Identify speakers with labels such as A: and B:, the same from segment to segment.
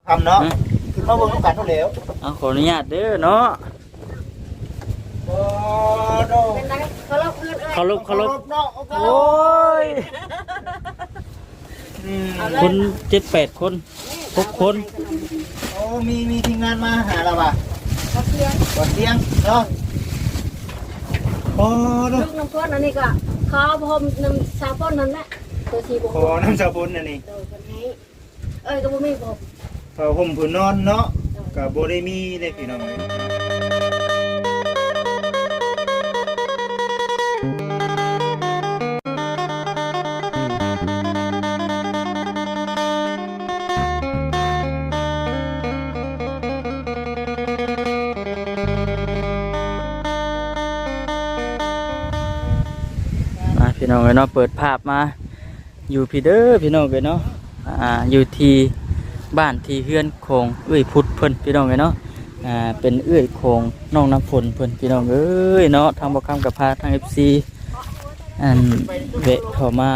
A: ทำเนาะคือมาเบิ่งกันเท่าแล้ว
B: เอาขออนุญาตเด้อเนาะ
C: เป็นไร
B: เคารพ
A: เนาะ
B: โอ้ยคน7-8 คน6 คน
A: โอ้มีทีมงานมาหาเราป่ะ
C: ก็เสียง
A: เนาะโอ้
C: ลูกน้ำก้นอันนี้ก็ขอพรมน้ำชาป้อนนั่นแหละตัวชีบุก
A: ขอน้ำชาบุญอันนี้
C: ก็บ่มีผม
A: เขาห่มผืนนอนเนาะกับโบได้มีเลยพี่น้อง
B: พี่น้องเนาะเปิดภาพมาอยู่พี่เด้อพี่น้องเนาะอยู่ที่บ้านที่เฮือนโคงเอ้ยพุทธเพิ่นพี่น้องเนาะเป็นเอ้ยโคงน้องน้ำฝนเพิ่นพี่น้องเอ้ยเนาะทางบ่คำกับพาทาง FC เวะเข้ามา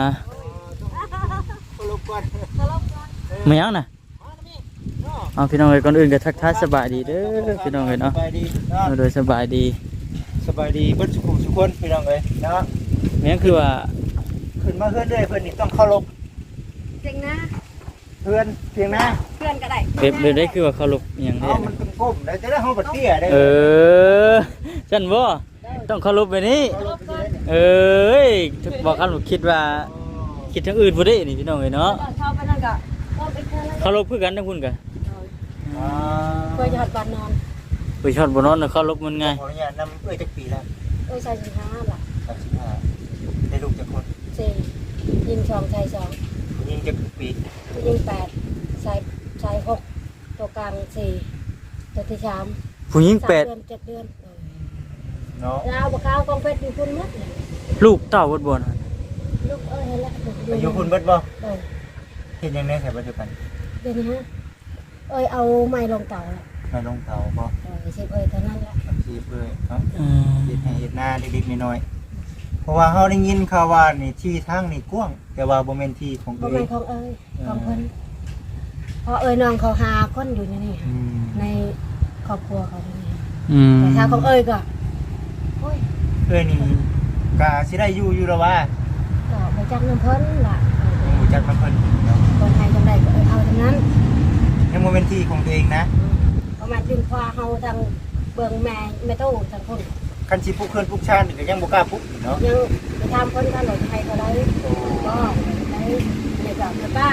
B: ไม่ยังน่ะเอาพี่น้องเอ้ยก่อนอื่นก็ทักทายสบายดีเด้อพี่น้องเอ้ยเนาะโดยสบายดี
A: เบิ้ลสุขคนพี่น้องเลยเนาะ
B: แม่งคือว่า
A: ขึ้นมาเพื่อนด้วยเพื่อนนี่ต้องเคารพ
C: เพียงนะ
A: เพื่อนเพียงนะ
C: เพื่อนก็ได้
B: แบบได้คือว่าเคารพอย่างนี้
A: มันเป็นก้มได้จะได้ห้องบัดเตี้ยได้
B: ฉันบ่ต้องเคารพไปนี้บอกกันคิดว่าคิดทางอื่นบ่ได้นี่พี่น้องเอ้ยเนาะ
C: เข้าไปนั่นก็
B: เคารพคือกันทั้งคุณกัน
C: เคยหัดบ้านนอน
B: ไปชอดบ่นอนเคารพมันไง
A: ขออนุญาตนำจักปีแล้ว
C: ใส่15ล่ะ
A: 35ได้ลูกจักคน
C: 4ยิง2ชาย2
A: ยิงจักปี
C: ยิง8ชาย6ตัวกลาง4ตัวที่3
B: ผู้หญิง8
C: 7 เดือน
A: เนาะ
C: แล้วบ่ข้าวกองเพชรอยู่พุ่นหมด
B: ลูกเต้าบ่บ่น่ะ
C: ลูกนั่นแหละ
A: อยู่พุ่นเบิดบ่เฮ็ดยังไงใส่ปัจจุบัน
C: เดี๋ยวนี้ฮะเอาไม้ลงเต่าแล้ว
A: มาลงเตาบ่
C: สิเท่านั้นแหละ
A: สิเนาะเฮ็ดให้เฮ็ดหน้าเล็กๆน้อยๆเพราะว่าเฮาได้ยินข่าวว่านี่ที่ทางนี่กว้างแต่ว่าบ่แม่นที่ของ
C: บ่แม่นของของเพิ่นเพราะน้องเขาหาคนอยู่นี่ในครอบครัวเขานี่แต่ถ้าของก็โอ้ย
A: นี่ก็สิได้อยู่แล้วว่า
C: ก็บ่จักน้ำเพิ่นล่ะ
A: บ่จักน้ำเพิ่นเนาะ
C: คนไทยจังได๋ก็เอาทั้งนั้น
A: ยังบ่แม่นที่ของตัวเองนะ
C: ประมาณดึงควาเฮาทางเบิ่งแม่โตทางคน
A: คันสิปลูกเพิ่นปลูกชาติก็ยังบ่กล้าปลูกเนาะ
C: ยังไปทำคนกันหลไทยก็ได้ก็ได้ในกับป้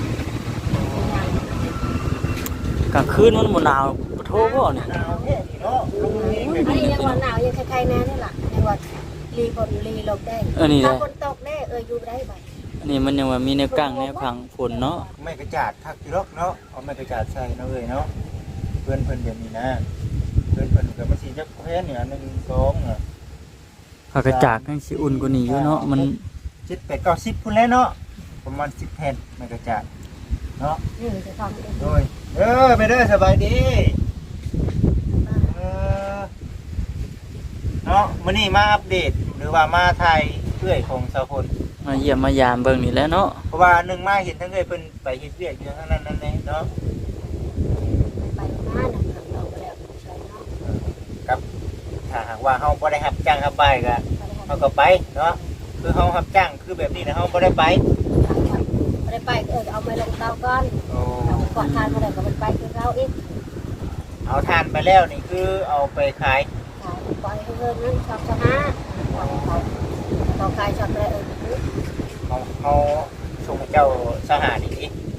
B: ากลางคืนมันบ่หนาวบ่โทบ่เนี่ย
A: หนาวแท้เนาะ
C: อันนี้ยังว่าหนาวยังคล้ายๆแน่นี่ล่ะยังว่าลีลมได้ถ้าฝนตกแน่อยู่ได้บัด
B: อันนี้มันยังว่ามีแนวกั้งแนวพังฝนเนาะ
A: ไม่กระจาดทักอยู่หรอกเนาะเอาไม่กระจาดใส่เนาะเนาะเพิ่นแบบนี้นะเพิ่นก็มันสิจักแพ้เนี่ย1 2อ่ะ
B: ผักกระจาดจังสิอุ่นกว่านี้อยู่เนาะมัน
A: 7 8 9 10พุ่นแล้วเนาะประมาณ10แผ่นไม่กระจาดเนาะ
C: จะทำเอง
A: โดยไปเด้อสบายดีเนาะมื้อนี้มาอัปเดตหรือว่ามาถ่ายเรื่อยของสาวคน
B: มาเยี่ยมมายามเบิ่งนี่แหละเนาะ
A: เพราะว่านึงมาเห็นทั้งเพิ่นไปเฮ็ดเวียกอยู่ทางนั้นนั่นแหละเนาะ
C: ไปมานะครับเราก็แล้ว
A: ครับถ้าหากว่าเฮาบ่ได้รับจ้างรับไปก็เฮาก็ไปเนาะคือเฮารับจ้างคือแบบนี้นะเฮาบ่ได้ไป
C: เอาไม้ลงเตาก่อนเอาก่อนทานมาแล้วก็ไปคือเราอีก
A: เอาทานไปแล้วนี่คือเอาไปขาย
C: ปล่อยเงินนั้นช็อตจะมาเขาขายช็อตเลย
A: เขาส่งเจ้าสหานี่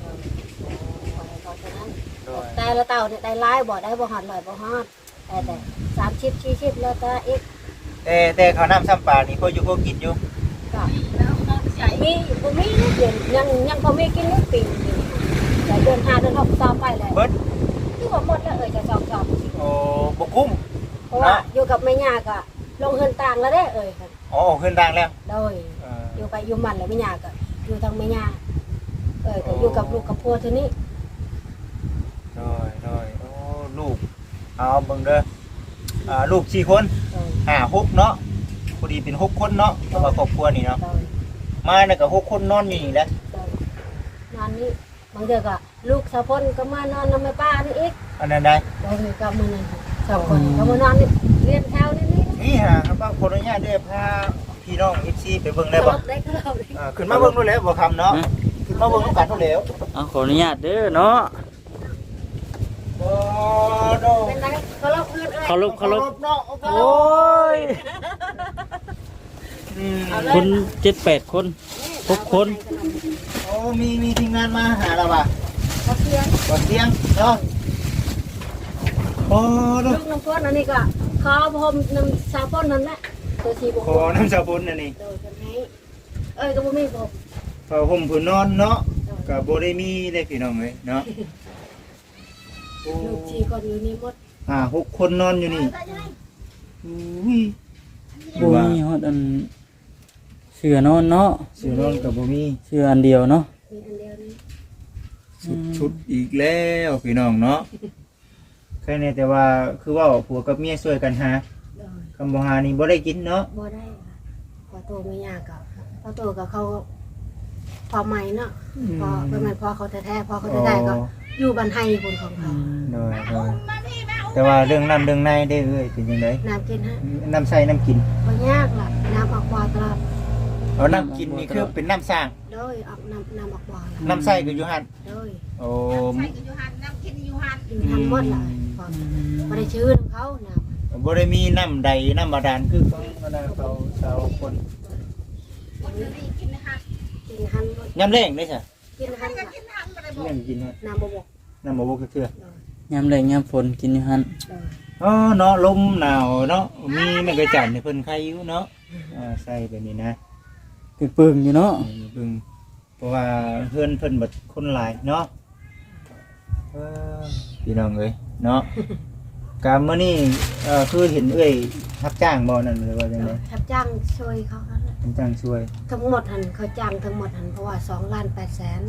C: แต่ละเต่าเนี่ยได้ไล่บ่ได้บ่หอดลอยบ่หอดแต่30 40แล้วก็อีก
A: แต่เขาน้ำซ้ำปลานี่พออยู่พอกินอยู่
C: ก็มีบ่มีเดือนยังพอมีกินปีแต่เดือน5เดือน6ต่อไปแล้ว
A: เบิด
C: ที่ว่าหมดแล้วจะจอบ
A: โอ้บ่คุ้ม
C: เพราะว่าอยู่กับแม่ย่าก็ลงเฮือนต่างแล้วเด้
A: อ๋อเฮือนต่างแล้ว
C: โดยอยู่ไปอยู่มันแล้วแม่ย่าก็อยู่ทางแม่ย่าก็อยู่กับลูกกับพ่อเท่านี้
A: โดยโอ้ลูกเอาเบิ่งเด้อลูก4คน6เนาะพอดีเป็น6คนเนาะเพราะว่าครอบครัวนี่เนาะมาเนี่ยก็6คนนอนอยู่นี่แหละ
C: นอนนี่บางเดือนก็ลูกสาวพลก็มานอนนำแม่ป้านี่อีก
A: อันนั้นได้
C: บ่มีก็มื้อนั้น2คนก็มานอนนี่เรียนแถวนี่
A: นี่ฮะครับว่าคนอนุญาตได้พาพี่น้อง FC ไปเบิ่งได้บ่
C: ได้ก็เราได้
A: ขึ้นมาเบิ่งนู่นแล้วบ่คำเนาะขึ้นมาเบิ่งนำกันนู่นแล้ว
B: เอาขออนุญาตเด้อเนาะ
A: บ่โด
C: เป็นไรเขาลบเพื่อนเอ้ย
B: เคารพเคารพ
A: เนาะ
B: โอ้ย
A: อืม
B: คน7-8คน6คน
A: โอ้มีทีมงานมาหาเราป่ะ
C: เขาเสียง
A: บ่เสียงเนาะโอ้โด
C: ลูกน้ำพ่นอันนี้ก็ขอพรมน้ำสาวพ่นนั่นแหละตัวสีบุก
A: ขอน้ำชาบุญอันนี้
C: โดยกันให้เอ้ยก็บ่มีผม
A: ผ้าห่มผืนนอนเนาะก็บ่ได้มีเลยพี่น้องเอ้ยเนาะโอ้
C: ลูกชีคนอยู่นี่หมด
A: 6คนนอนอยู่นี่อุ้ย
B: บ่มีฮอดอันเสือนอนเนาะ
A: เสื้อนอนก็บ่มี
B: เสืออันเดียวเนาะ
C: มีอันเดียวนี่
A: ชุดอีกแล้วพี่น้องเนาะแค่นี้แต่ว่าคือว่าผัวกับเมียช่วยกันหา
C: โดย
A: คำบ่หานี่บ่ได้กินเนาะ
C: บ่ได้พอโตไม่ยากกับพอโตกับเขาพอใหม่เนาะพอเป็นไงพอเขาแท้ๆพอเขาแท้ๆก็อยู่บ้านไห้คนของเขา
A: โดยแต่ว่าเรื่องน้ำเรื่องในได้เอ้ยเป็นจังได
C: น้ำกินฮะ
A: น้ำใส่น้ำกิน
C: บ่ยากล่ะน้ำออกบ่อตลอด
A: เอาน้ำกินนี่คือเป็นน้ำสร้าง
C: โดยออกน้ำออกบ่อล่ะ
A: น้ำใส่ก็อยู่หั่น
C: โดย
A: โอ้
C: อยู่ทำหมดล่ะพอบ่ได้ชื่อของเขาน้ำ
A: บ่ได้มีน้ำใดน้ำบาดาลคือของคณะเขาชาวคน
C: กินหัน
A: ยามแรงได้ซะ
C: กินหัน
A: แม่นกินฮะ
C: น้ำบ่บก
A: น้ำบ่บ่คือ
B: ยามแรงยามฝนกินอยู่หั่น
A: อ๋อเนาะลมหนาวเนาะมีแม่กระจันให้เพิ่นใครอยู่เนาะใส่แบบนี้นะ
B: ปึ้งๆอยู่เนาะ
A: เบิ่งเพราะว่าเพื่อนเพิ่นบัดคนหลายเนาะเออพี่น้องเอ้ยเนาะการมื้อนี้คือเห็นเอ้ยรับจ้างบ่นั่นหรือว่าจังได๋
C: รับจ้างช่วยเขาครับ
A: รับจ้างช่วย
C: ทั้งหมดหันเขาจ้างทั้งหมดหันเพราะว่า2,800,000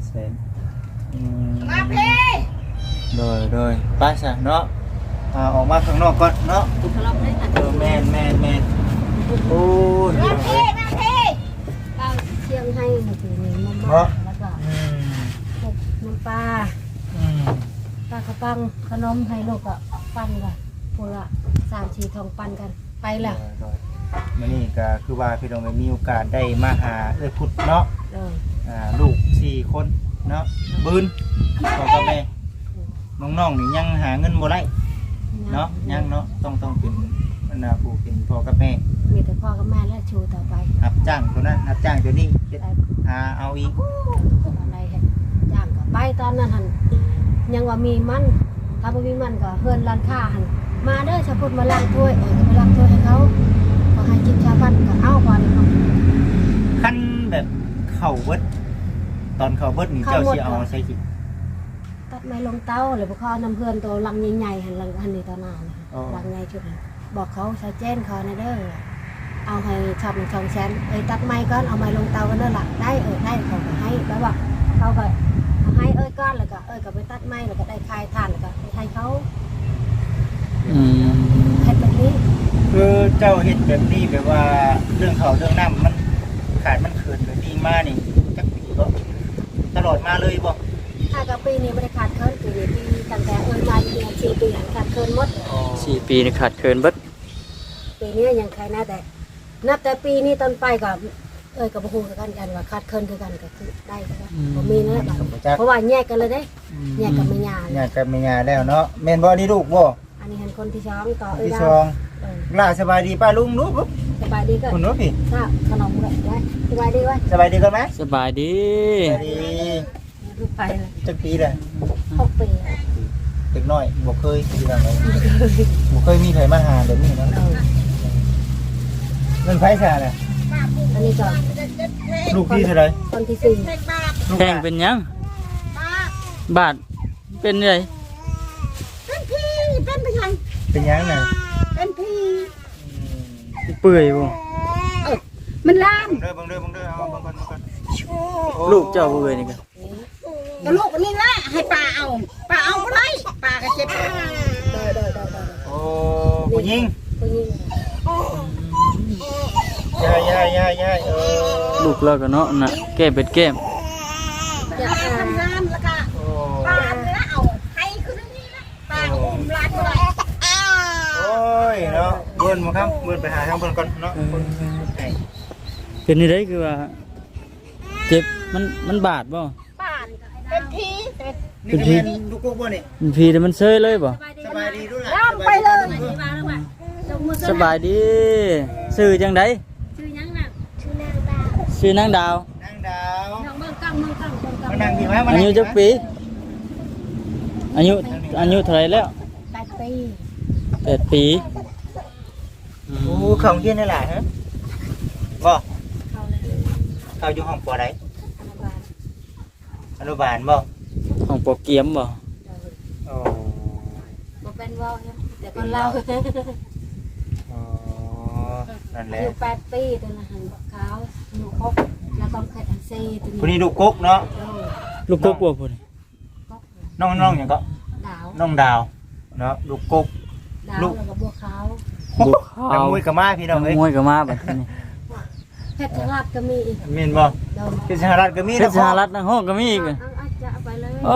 A: 2,800,000มาเพ่โดยไป้าซะเนาะออกมาข้างนอกก่อนเนาะ
C: เขาลบได้หัน
A: แม่นโอ้ย
C: เอาเชียงให้มาถึงนี่มาแล้วก็พวกน้ำปลาปลากระปังขนมให้ลูกก็ปั้นกันพวกละ3-4ทองปั้นกันไปแล้ว
A: มื้อนี้ก็คือว่าพี่น้องได้มีโอกาสได้มาหาเอ้ยพุทธเนาะ
C: โดย
A: ลูก4คนเนาะบืนพ่อกับแม่น้องๆนี่ยังหาเงินบ่ได้เนาะยังเนาะต้องเป็นอันน่ะผู้เป็นพ่อกับแม่
C: มีแต่พ่อกับแม่และชูต่อไป
A: รับจ้างตัวนั้นรับจ้างตัวนี้
C: ได้
A: หาเอาอีก
C: อะไรให้จ้างก็ไปตอนนั้นหันยังว่ามีมันถ้าบ่มีมันก็เฮือนร้านค้าหันมาเด้อชาวพุทธมาล้างถ้วยก็ไปล้างถ้วยให้เขาก็ให้กินชาพันก็เอาก่อนเขา
A: คันแบบเข้าเบิดตอนเข้าเบิดนี่เจ้าสิเอาใส่กิน
C: ตัดไม้ลงเต้าหรือบ่เขานำเพื่อนตัวลังใหญ่ๆหันลังอันนี้ตอนนั้นลังใหญ่ชุดนั้นบอกเขาใช้เจนเขาในเด้อเอาให้ชอบ1 2แสนตัดไม้ก่อนเอาไม้ลงเตากันเด้อล่ะได้ได้เขาก็ให้แล้วว่าเขาก็ให้ก้อนแล้วก็ก็ไปตัดไม้แล้วก็ได้คายถ่านแล้วก็ให้เขา เฮ็ดแบบนี้
A: คือเจ้าเฮ็ดแบบนี้แบบว่าเรื่องเขาเรื่องน้ำมันขาดมันเขินแบบนี้มานี่จักปีบ่ตลอดมาเลยบ่
C: ถ้ากับปีนี้ไม่ได้ขาดเคินปีนี้ปีตั้งแต่มาอยู่เนี่ย4 ปีขาดเคินหมด
B: 4 ปีนี่ขาดเคินเบิด
C: ปีนี้ยังใครน่าแต่นับแต่ปีนี้ต้นไปกับกับบ่ฮู้คือกันว่าขาดเคินคือกันก็คือได้ก็ได้บ่มีนั่นแหละเพราะว่าแยกกันเลยเด้แยกกันไม่ยา
A: ญาติกันไม่ญาแล้วเนาะแม่นบ่นี่ลูกบ่
C: อันนี้เห็นคนที่ช้องต่อ
A: ที่สองล่าสบายดีป้าลุงลูก
C: สบายดีก็
A: คุณรู้พี่
C: ทราบขนมเลยไว้สบายดีไว้
A: สบายดีกันไหม
B: สบายดี
A: สบายดี
C: ลูกไปเลย
A: จักปีแหละ
C: 6 ปี
A: เด็กน้อยบ่เคยที่นั่นเลยบ่เคยมีใครมาหาแบบนี้เนาะมันไผซะน่ะ
C: อันนี้ก็
A: ลูกพี่เท่าไหร่
C: คนที่4
A: ลูก
B: แข้งเป็นหยังบาดเป็นไง
A: เป็นหยังน่ะ
B: เปื่อยบ่
C: มันลาม
A: เบิ่งเด้อเอาเบิ่งก่อน
B: ลูกเจ้าเปื่อยนี่ก็
D: ก็ลูกนี่แหละให้ป้าเอาบ่ได้ป้าก็เจ็บ
A: โอ้ผู้หญิง
C: ผู้หญิง
A: ยาย
B: ลูกเราก็เนาะน่ะแก้เป็ดแก้ม
C: อยากอ่าน
D: น้ำแล้วก็
A: โอ้บิ่นบ่ครับเบิ่นไปหาทางเพิ่นก่อนเนาะคนไอ้
B: เป็นนี่ได้คือว่าเจ็บมันบาดบ่
D: ป่านเป็นทีเป็น
A: นี่คือแม่นลูกกกบ่นี่
B: มันพีแต่มันเซยเลยบ่
A: สบายดีด้วย
D: ย่างไปเลย
B: สบายดีชื่อจังได
C: ชื่อยังน่ะชื่อนางดาว
B: ชื่อนางดาว
A: นางดาว
C: น้องเมืองกังเมืองกังเมืองกัง
A: มานั่งพี่มามา
B: อา
A: นั่ง
B: ยุจักปีอายุเท่าไหร่แล้ว
C: 8 ปี
B: 8 ปีอื
A: โอ้
B: ม
A: ของเฮียนได้หลายฮะบ่
C: เขาเลย
A: เขาอยู่ห้องปอใด
C: อนุบาล
A: อนุบาลบ่
B: ของโปรเกียมบ่
A: โอ้
C: บ่เป็นเว้าเนี่ยแต่คนเรา
A: อ๋อนั่นแห
C: อา
A: ละ
C: ยุ8 ปีตัวละหันขาวหนูคกแล้วก็ไข่อันซีตัว
A: คน
C: นี้
A: นี้ลูกกกเนาะ
B: ลูกกบบ่พุ่น
C: คก
A: น้องหยังก็
C: ดาว
A: น้องดาวเนาะลูกกก
C: ดาว
A: ลูก
C: แล้วก็บัวขาว
B: บุก
A: นั
B: ขาก ว
A: มวยกับมาพี่น้องเอ้ย
B: มวยก็มาบัดนี้
C: เพชรราชก็มีอีก
A: แม่นบ่
C: โดน
A: เป็นสหรัฐก็มี
B: เพชรสหรัฐนักห้องก็มีอีก
C: เอาจะเอาไปเลย
B: โอ้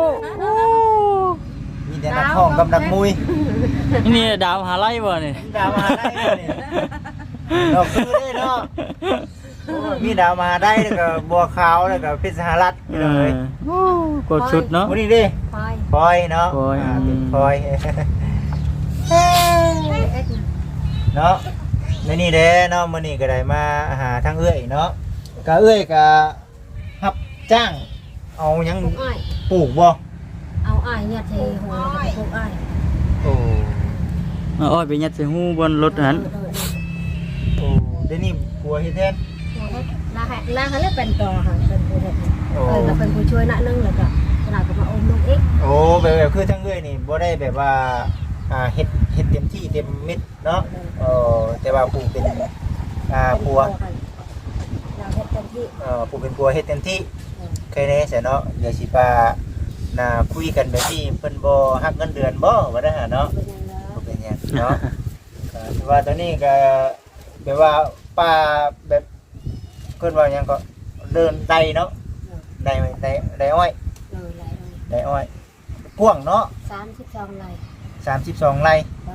A: มีแต่นักห้องกับนักมวย
B: นี่ดาวหาไล่บ่นี่
A: ดาวมาได้เนี่ยเราคือได้เนาะโอ้ยมีดาวมาได้แล้วก็บัวขาวแล้วก็เพชรสหรัฐพี่
B: เอ
A: น้อง
B: อ
A: เอ้ย
B: โอ้กดชุดเนาะ
A: วันนี้ดิ
C: พลอย
A: พลอยเนาะ
B: พลอย
A: เป็นพลอย
C: เอ็ดนะ
A: เนาะในนี่เด้เนาะมื้อนี้ก็ได้มาหาทางเอื้อยเนาะก็เอื้อยก็รับจ้างเอาหยัง
C: ปลูกอ้อย
A: ปลูกบ่
C: เอาอ้อยเนี่ยเทหัวแล้วก็ปลูกอ้อย
A: โอ้
B: เอาอ้อยไปยัดใส่หูบนรถนั้น
A: โอ้เดี๋ยวนี้ผัวเฮ็ดแทน
C: ลาให้เล่นเป็นต่อค่ะเป็นผู้เฮ็ด
A: โอ้
C: เราเป็นผู้ช่วยนะนึงแล้วก็ขนาดก็มาอมลูกอีก
A: โอ้แบบคือทั้งเอ้ยนี่บ่ได้แบบว่าเฮ็ดเต็มที่เต็มเม็ดเนาะแต่ว่าผู้เป็นผัว
C: เราเฮ็ดเต็มที่
A: ผู้เป็นผัวเฮ็ดเต็มที่เคยแน่ซะเนาะเดี๋ยวสิปาคุยกันแบบนี้เพิ่นบ่ฮักเงินเดือนบ่ว่าได้หาเนาะ
C: เป็นยังไง
A: บ่เป็นหยังเนาะถือว่าตอนนี้ก็แบบว่าป้าแบบเพิ่นว่าหยังก็เดินไดเนาะไดอ้อย
C: เลยไหล
A: ไดอ้อยกว้างเนาะ
C: 32ไหล
A: 32ไร่
C: เรา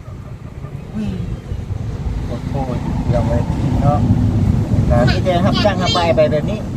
A: โอ้โหเดี๋ยวเลยเนาะที่จะรับจ้างรับไปแบบนี้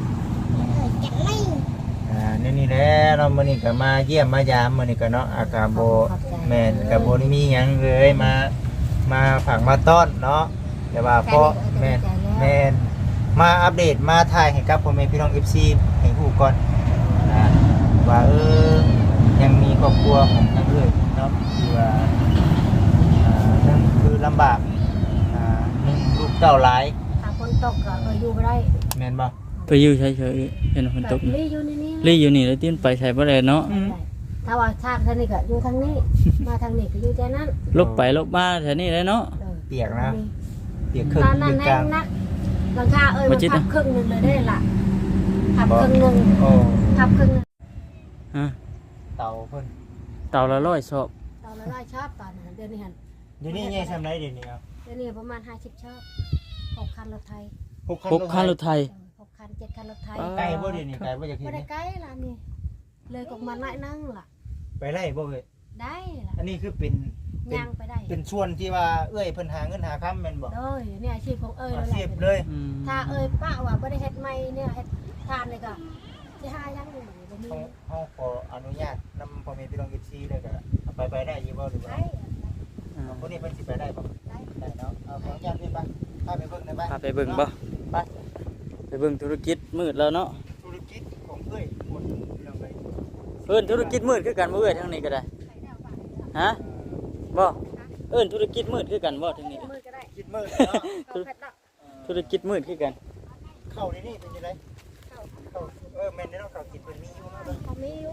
A: นี่แหละเนาะมื้อนี้ก็มาเยี่ยมมายามมื้อนี้ก็เนาะอากาศบ่แม่นก็บ่ได้มีหยังเลยมาฝากมาต้อนเนาะแต่ว่าพอแม่นมาอัปเดตมาถ่ายให้กับพ่อแม่พี่น้อง FC ให้ฮู้ก่อนว่ายังมีครอบครัวของทางเอ้ยเนาะที่ว่านั่นคือลำบากหนึ่งลูกเต้าหลาย
C: ถ้าฝนตกก็อยู่บ่ได้
A: แม่นบ่
B: ไปอยู่เฉยๆเห็นฝนตก
C: ลีอยู่นี่
B: ลี่อยู่นี่แล้วตีนไปใส่บ่ได้เนาะ
C: ถ้าว่าชาติท่านนี่ก็อยู่ทางนี้มาทางนี้ก็อยู่ใจนั้น
B: ลบไปลบมาแถวนี้เลยเนาะ
A: เปียกนะเปียกครึ่ง
C: ตอนนั้น
A: เปียกก
C: แน่
A: ลาง
C: นักหลังคามันพับครึ่งนึงเลยได้ล่ะพับครึ่งนึง
A: โอ้
C: พับครึ่งนึง
B: ฮะ
A: เตาเพิ่น
B: เต่าละ100ชอบ
C: ตอนละร้อยชอบตอนนั้นเดือนนี้หัน
A: เดี๋ยวนี้ใหญ่ซำไรเดี๋ยวนี้เอา
C: เดือนนี้ประมาณ50ชอบ6คันรถไทย
B: 6คันรถไทย
C: 6คัน7คันรถไทย
A: ไกลบ่เดี๋ยวนี้ไกลบ่จากที่
C: บ่ได้
A: นี่
C: ใกล้ล่ะนี่เลยกมาหน่อยนั่งล่ะ
A: ไปไล่บ่เว้ย
C: ได้ล่ะ
A: อันนี้คือเป็น
C: ย่างไปได้
A: เป็นส่วนที่ว่าเอ้ยเพิ่นหาเงินหาค้ำแม่นบ่
C: โดยเนี่ยอาชีพของเอ้ย
A: อา
C: แล้วแห
A: ชีพ
C: ละ
A: เลย
B: อืม
C: ถ้าเอ้ยป้าว่าบ่ได้เฮ็ดใหม่เนี่ยเฮ็ดทานเลยก็สิหายังอยู่บ่มี
A: เฮาขออนุญาตนำพ่อแม่พี่น้อง FC เลยก็ไปได้อยู่บ่หรือว่า
C: ได้
A: คนนี้เพิ่นสิไปได้บ่
C: ได้
A: ได้เนาะเอาขออนุญาตด้วยป่ะพาไปเบิ่งได้ป่ะ
B: พาไปเบิ่งบ่ไปเบิ่งธุรกิจมืดแล้วเนาะ
A: ธุรกิจของเอ้ยหมดพี่น้องเอ้ย
B: เอิ้นธุรกิจมืดคือกันบ่เอ้ยทางนี้ก็ได้ฮะบ่เอิ้นธุรกิจมืดคือกันบ่ทางนี้
C: มือก็ได้
A: คิดมืดเนาะ
C: เขาเพชรดอก
B: ธุรกิจมืดคือกัน
A: เข้าในนี่เป็นยังไงเข้าแม่นได้เนาะเข้ากินเป็นมีอยู่เนาะ
C: เขามีอยู่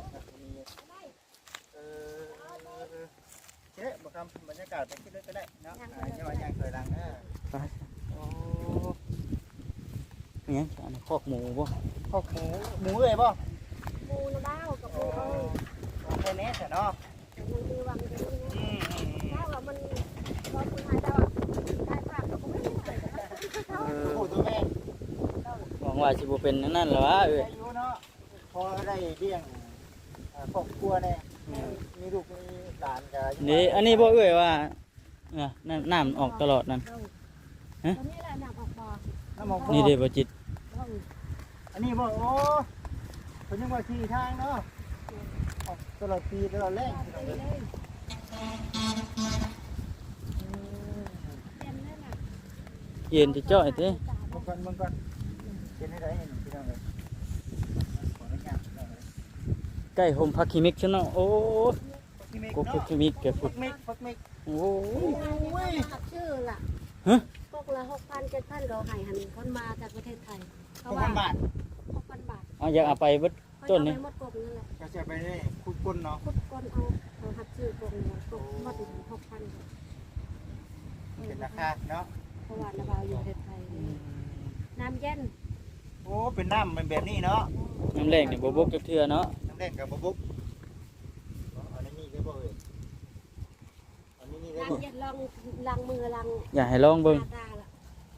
A: เนี่ยบอกคำบรรยากาศไปคิดเลยก็ได้เนาะยังว่ายังเคยรังนะ
B: ไปมีหยังอันนี้คอกหมูบ่
A: ข้าวหมูเลยป่ะ
C: ปูนะบ้าวกับปูเอ้ย
A: แค่นี้แต่เนาะ
C: มันมีวังจะนี่นะถ้าว่ามันพอคุณหาเจ้าได้ภาพก็บ่ได้
A: โอ้ตัวแม่
B: หวังว่าสิบ่เป็นอันนั่นหรอวะเอ้ย
A: อายุเนาะพอได้เลี้ยงครอบครัวเนี่ยมีลูกมีหลานกัน
B: นี่อันนี้บ่เอ้ยว่าน้ำออกตลอดนั่น ฮะ
C: ตอนนี้แหละน้ำออกบ่อ
A: น้ำหมอกบ่
B: นี่เด้บ่จิต
A: อันนี้บ่โอ้เพิ่นยังว่าที่ทางเนาะออกตลอดปีตลอดแรง
C: ไปเลยเต็มเลยน่ะ
B: เย็นจะจ้อยเด้
A: มึงก่อนเป็นให้ได้เห็นพี่น้องเลยขออนุญาตพี่น้องเลย
B: ใกล้โฮมพักคิมิกซะเนาะโอ้
A: พี่เมฆ
B: กูพัก
A: เนาะ
B: คิมิกแกพุด
A: ฟักเมฆ
B: โอ้
C: ขับชื่อล่ะ
B: ฮะ
C: พวกละ6,000 7,000เขาให้หันคนมาจากประเทศไทยเขา
A: 6,000 บาท
C: 6,000 บาท
B: เอาอยากเอาไปเบิด ต้นนี่
C: เขาจะเอาไปหมดกบนั่นแหละ
A: ก็จะไปได้คุดก้นเนาะ
C: คุดก้นเอาหัดชื่อกบเนี่ยกบหมด6,000
A: เป็นราคาเนาะ
C: เพราะว่าระบายอยู่ประเทศไทยน้ำเย็น
A: โอ้เป็นน้ำเป็นแบบนี้เนาะ
B: น้ำแรงนี่บ่บกจักเทื่อเนาะ
A: น้ำแดงกับบุ๊กอันนี้ได้บ่เอ่ยอันนี้ได้บ่
C: น้ำเย็นลองมือลอง
B: อยากให้ลองเบิ่ง
C: ตาละ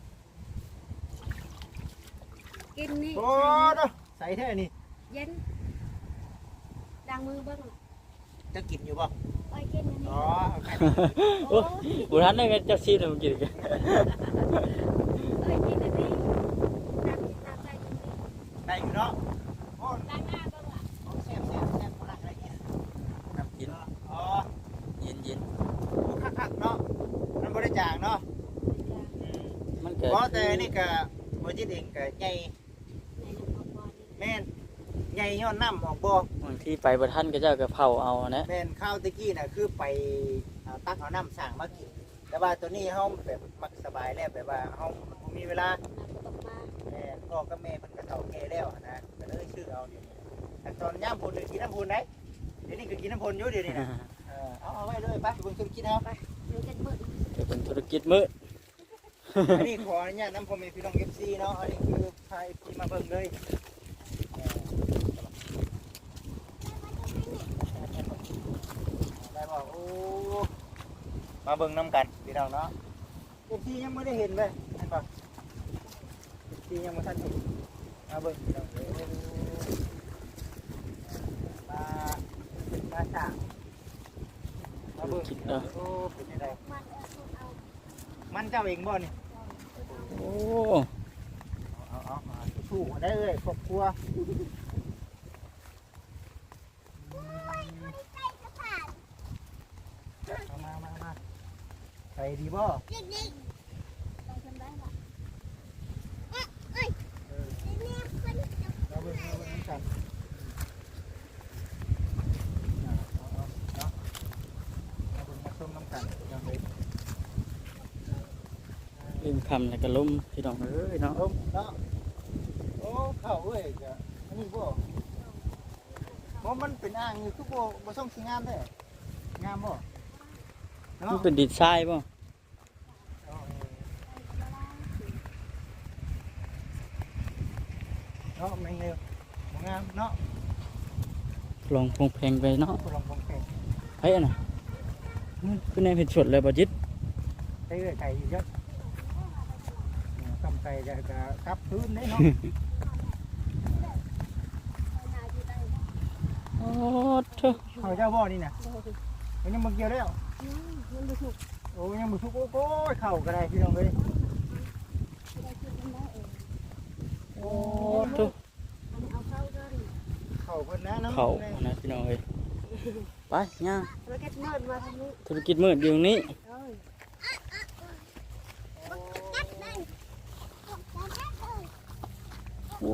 C: กินนี่
A: โอ้เนาะใส่แท้นี่
C: เย็นดังมือเบิ้ง
A: จะกินอยู่บ่
C: ไปกินอันนี้
A: อ๋อ
B: โอ้บ่ทันได้กันจักซีนมันกินกัน
C: กินอันนี้น้ำใจกินนี่
A: ได้อยู่เนาะโอ้
C: ล้างหน้าเบิ้งล่ะ
A: แซ่บคนละอะไรกิน
B: น้ำกิน
A: อ๋อ
B: เย็น
A: คักๆเนาะมันบ่ได้จางเนาะ
B: ๆมันก็
A: เพราะแต่นี่ก็บ่จิตเองก็ใหญ่
C: ในน้ำพอนี่
A: แม่นใหญ่ย้อนน้ำออกบ่
B: บางทีไปบ่ทันก็เจ้าก็เผาเอานะ
A: แม่นข้าวตะกี้น่ะคือไปตักเอาน้ำสั่งมากินแต่ว่าตัวนี้เฮาแบบมักสบายแล้วแบบว่าเฮาบ่มีเวลา
C: น้ำก็ตกมา
A: แม่พ่อกับแม่เพิ่นก็เฒ่าแก่แล้วนะก็เลยชื่อเอาเดี๋ยวนี้แต่ตอนย่ามพุ่นนี่กินน้ำพุ่นได้เดี๋ยวนี้ก็กินน้ำพุ่นอยู่เดี๋ยวนี้นะเอาไว้เลยไปเบิ่งธุรกิจเอาไป
C: เดี๋ยวจะมืด
B: จะเป็นธุรกิจมื้อ
A: อันนี้ขออนุญาตนำพ่อแม่พี่น้อง FC เนาะอันนี้คือพา FC มาเบิ่งเลยได้บอกโอ้มาเบิ่งนํกันพี่น้องเนาะ FC ยังไม่ได้เห็นเลยเห็นป่ะ FC ยังบ่ทันเห็นมาเบิ่งพี่น้องเด้อมาสร้างมาเบิ่งโอ้เป็นจังได
C: มันเอา
A: มันเจ้าเองบ่นี่
B: โอ้
A: เอาสู้ๆได้เลยครอบครัวมาใส่ดีบ่
C: ไปทำได้ละ
A: เราเบิ่งน้ำกันเราเบิ่งมาส้มน้ำกันยังไง
B: ลืมคำแล้วก็ล้มพี่น้องเอ้ยเนาะ
A: เนาะโอ้เข้าเว้ยจ้ะอันนี้บ่เพราะมันเป็นอ่างอยู่ทุกบ่ส่งสิงามเด้งามบ่
B: มัน
A: เนาะ
B: เป็นดินทรายป่ะ
A: เนาะแมงเร็วงามเนาะ
B: ลองพงเพลงไปเนาะ
A: ลองคงเพลง
B: ไอ้อันน่ะคือในเพจสดเลยบ่จิต
A: ไก่ไก่อยู่เยอะทำไก่จะกลับพื้นได้เนาะ
B: โอ้เถอะ
A: เขาเจ้าบ่อนี่น่ะมันยังบ่เกี่ยวแล้ว
C: มันดูถูก
A: โอ้ยังบ่ทุกโอ้ยเข่าก็ได้พี่น้องเอ้ย
C: ได้คิดกันได้เอง
B: โอ้เถอะ
C: อันนี้เอาเข้าด้วย
A: เข่าเพิ่นนะน้ำ
B: เขานะพี่น้องเอ้ยไปย่าง
C: แล้วก็มืดมาทางนี้
B: ธุรกิจมืดอยู่ตรงนี้
C: เอ้ย
B: โอ้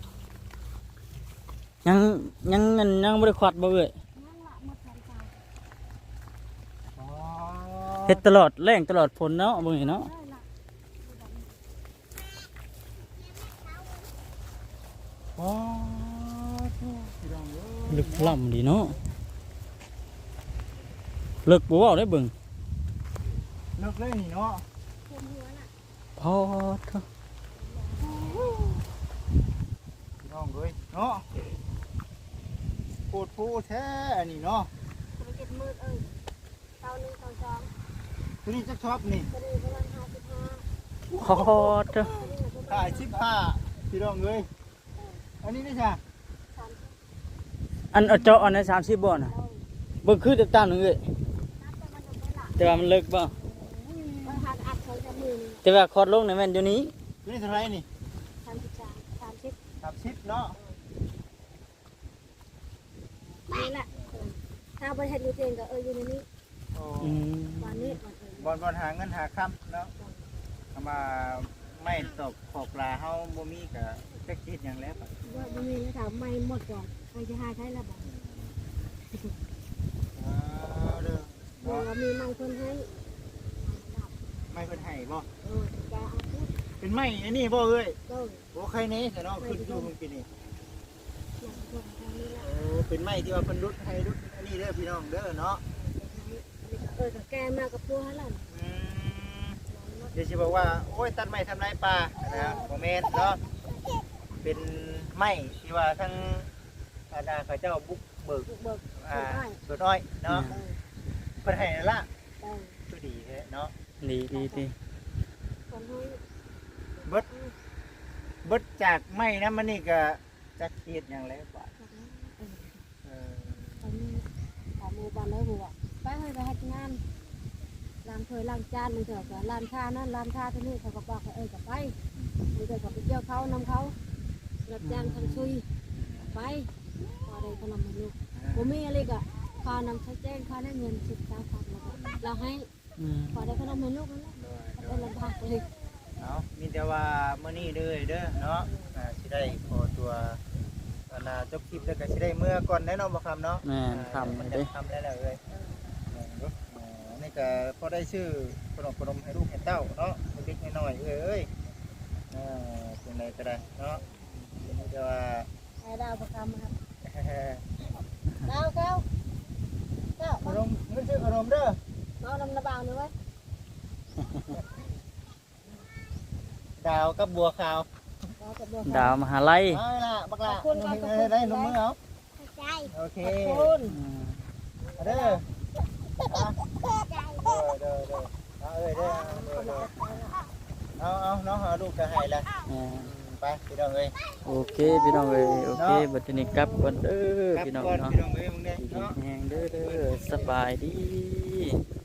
B: ยังบ่ได้ควัดบ่เอ้ย
C: นั่งละหมดแรงใจ
A: อ๋อ
B: เฮ็ดตลอดแรงตลอดฝนเนาะบ่เห็นเนาะ
C: ได้ละ
A: อ๋อพี่น้องเอ้ย
B: ลึกล่ำดีเนาะลึกบ่เว้าได้เบิ่ง
A: เลิกเลยนี่เนาะ
C: เต็มหัวน่ะ
B: พอเถอะ
A: พี่น้องเอ้ยเนาะโคตรผู้แท้อันนี้เนาะ
C: ธุรกิจมืดเอ้ยเตาหนึ่งเตาสอง
A: ตัวนี้จะชอบนี่
C: ตัวนี้ประมาณ55
B: พอเถอะ
C: ตัวนี้ประ
A: ขา
C: มาณ
A: ย15พี่น้องเอ้ยอันนี้นี่จ้ะ
C: 30
B: อันเอาเจาะอันนั้น30บ่น่ะ
C: เอ้ย
B: เบิ่งคือตามๆนึงเอ้ย
C: นับแต่มันจะไม่ละ
B: แต่ว่ามันเลิกบ่
C: เอยู่นี่
B: แต่ว่าคลอดลงนี่แม่นอยู่นี้
A: นี่เท่าไหร่นี่
C: 33
A: 30เนาะ
C: นี่แหละถ้าบ่เฮ็ดอยู่เองก็อยู่ในนี้
A: โอ้
B: อืม
C: วันนี้วัน
A: บอลหาเงินหาค่ำเนาะเอามาไม่ตกขอบปลาเฮาบ่มีก็จักคิดหยังแล้วบัด
C: ว่าบ่มีแล้วถามไม่หมดก่อนใครจะหาใช้ละบ่
A: เด้อ
C: บ่ว่ามีไม้เพิ่นให้
A: ไม่เพิ่นให้บ่
C: จะเอาพูด
A: เป็นไม้อันนี้บ่เอ้ย
C: ก็
A: โอ้ใครแน่แต่เนาะขึ้นอยู่เพิ่นกินนี่
C: หลังจากนี้ละ
A: โอ้เป็นไม้ที่ว่าเพิ่นรุดให้รุดอันนี้เด้อพี่น้องเด้อเนาะ
C: ก็แกมากับพัวหั่นล่ะ
A: อืมเดี๋ยวสิบอกว่าโอ้ยตัดไม้ทำลายป่านะบ่แม่นเนาะเป็นไม้ที่ว่าทั้งอาณาเขาเจ้าบุกเบิก
C: เบิก
A: สวนอ้อยเนาะเพิ่นให้นั่นละ
C: ได้
A: คือดีแท้เนาะ
B: ดีดีดี
C: คนให้
A: เบิดจากไม้นะมันนี่ก็จักเฮ็ดหยังแล้วบาดเออ
C: ตอนนี้ขอมือบ้านแล้วหัวไปให้ไปให้งานล้างถ้วยล้างจานมันเถอะก็ล้างชานั่นล้างชาที่นี่เขาก็บอกก็ไปมันเกิดกับไปเที่ยวเขานำเขารับจ้างทำซุยไปพอได้ขนมมาลูกผมมีอะไรก็พานำใช้แจ้งพาได้เงิน10,000แล้วก็เราให้
B: อืม
C: พอได้ขนมให้ลูกนั่นแหละเป็นลำบากเลย
A: เอามีแต่ว่ามื้อนี้เด้อเด้อเนาะสิได้ขอตัวจบคลิปแล้วก็สิได้เมื่อก่อนแน่นอนบ่คำเนาะ
B: แม่นทำ
A: มัน
B: เด้
A: จะทำแล้วเลยนี่ก็พอได้ชื่อขนมให้ลูกให้เต้าเนาะเล็กๆน้อยๆเอ้ยเป็นไรก็ได้เนาะนี่จะว่า
C: ไอ้ดาวประคำครับดาวเก้าเก้า
A: ขนมเงินซื้อขนมเด้อ
C: เอาลำระบางเลยไว้
A: ดาวกับบัวขาว
B: ดาวมหาลัย
A: เอาล่ะบักล่ะได้นมมือเอาโอเค
C: คุณ
B: อืม
A: เด้อเด้อเอาน้องหาลูกจะให้ละ
B: อ่า
A: ไปพี่น้องเอ้ย
B: โอเคพี่น้องเอ้ยโอเคบัดนี้กลับก่อนเด้อ
A: ครับ
B: พี่น้อง
A: ก่อน
B: เนาะ
A: พี่น้องเอ้ยมึงเนี่ย
B: ดี
A: เนาะ
B: แฮงเด้อสบายดี